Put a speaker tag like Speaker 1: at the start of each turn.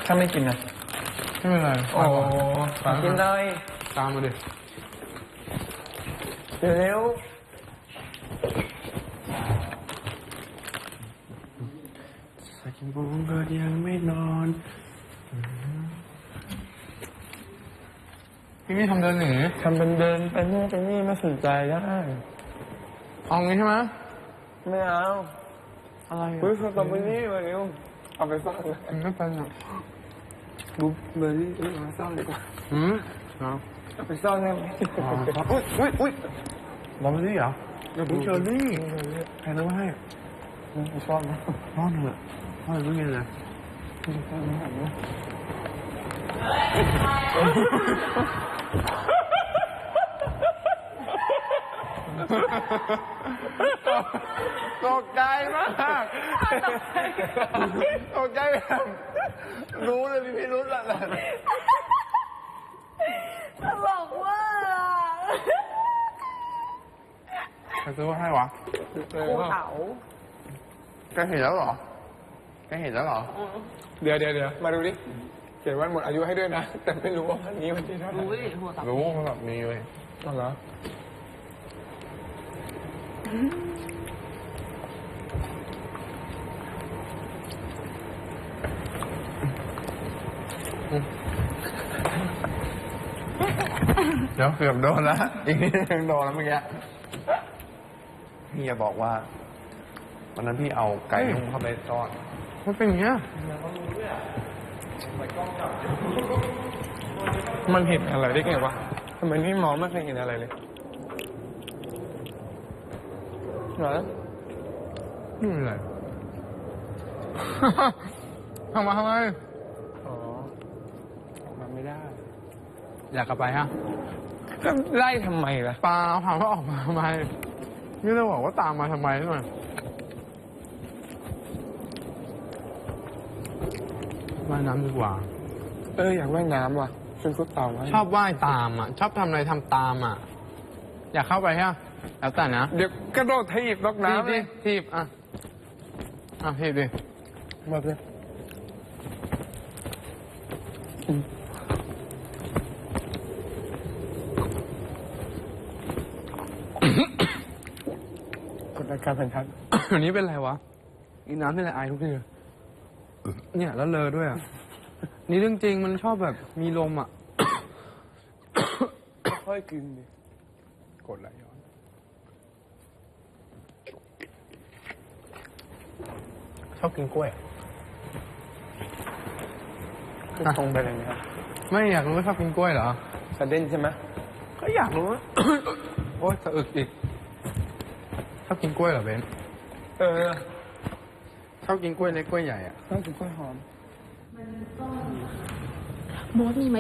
Speaker 1: ถ้าไม่กินนะ
Speaker 2: ไม่เป็นไร
Speaker 1: โอ้กินเลย
Speaker 2: ตามมาดิ
Speaker 1: เร็ว
Speaker 2: สักโมงก็ยังไม่นอนพี่นี่ทำเดินหนี
Speaker 1: ทำเป็นเดินไปนู่นไปนี่ไม่สนใจได้
Speaker 2: เอางี้ใช่ไหม
Speaker 1: ไม่เอา
Speaker 2: อะไร
Speaker 1: เฮ้ยสตรอเบอรี่มาเร็วเอาไปซ่อนเลย
Speaker 2: ไม่เป็นหรอก
Speaker 1: ดูเบอร์รี่มาซ่อนดีกว่าเอาไปซ่อนได้ไหม
Speaker 2: อุ้ยบอมบี้เหรอเดี๋ยวผมเชอรี่ใครรู้ให้
Speaker 1: ไปซ่อนนะ
Speaker 2: ซ่อนเถอะซ่อนไม่เงินเลยตกใจมากตกใจแบบรู้เลยพี่รู้ละ
Speaker 3: บอกว่า
Speaker 2: ใครซื้อให้วะ
Speaker 3: ภูเขา
Speaker 2: แกเห็นแล้วเหรอ
Speaker 1: เดี๋ยวมาดูดิเขียนวันหมดอายุให้ด้วยนะแต่ไม่รู้ว่าวันนี้วันที่เท่าไหร่
Speaker 2: รู้เขาแบบมีเลย
Speaker 1: เหรอ
Speaker 2: เดี๋ยวเกือบโดนแล้วอีกนิดนึงโดนแล้วเมื่อกี้พี่จะบอกว่าวันนั้นพี่เอาไก่นุ่มเข้าไปซ่อนมันเป็นอย่างเงี้ย
Speaker 1: มันเห็นอะไรได้ไงวะทำไมนี่มองไม่เคยเห็นอะไรเลยเหรอ
Speaker 2: ไม่เป็นไรทำไม
Speaker 1: อ๋อออกมาไม่ได้
Speaker 2: อยากกลับไปฮะ
Speaker 1: ก็ไล่ทำไมล่ะ
Speaker 2: เปล่าถามว่าออกมาทำไมไม่ได้บอกว่าตามมาทำไมใช่ไหมว่ายน้ำดีกว่า
Speaker 1: อยากว่ายน้ำว่ะชวนคุดเต่าไว้
Speaker 2: ชอบว่ายตามอ่ะชอบทำอะไรทำตามอ่ะอยากเข้าไปฮะแล้วแต่นะ
Speaker 1: เดี๋ยวกระโดดถีบลกน้ำ
Speaker 2: เลยถีบถีบดิ
Speaker 1: มาเลยกดอาการแผ่นทัด
Speaker 2: อันนี้เป็นไรวะอีน้ำนี่แหละไอทุกทีเนี่ยแล้วเลอด้วยอ่ะนี่เรื่องจริงมันชอบแบบมีลมอ่ะ
Speaker 1: ค่อยกินดิกดไหลย้อน
Speaker 2: ชอบกินกล้วย
Speaker 1: ตรงไปเลยนะครับ
Speaker 2: ไม่อยากรู้ว่าชอบกินกล้วยเหรอ
Speaker 1: สะเด่นใช่ไหม
Speaker 2: ก็อยากรู้โอ๊ยสะอึกอีกชอบกินกล้วยเหรอเบนชอบกินกล้วยเล็กกล้วยใหญ่อ่ะ
Speaker 1: ชอบกินกล้วยหอม
Speaker 3: โบ๊ทมีไหม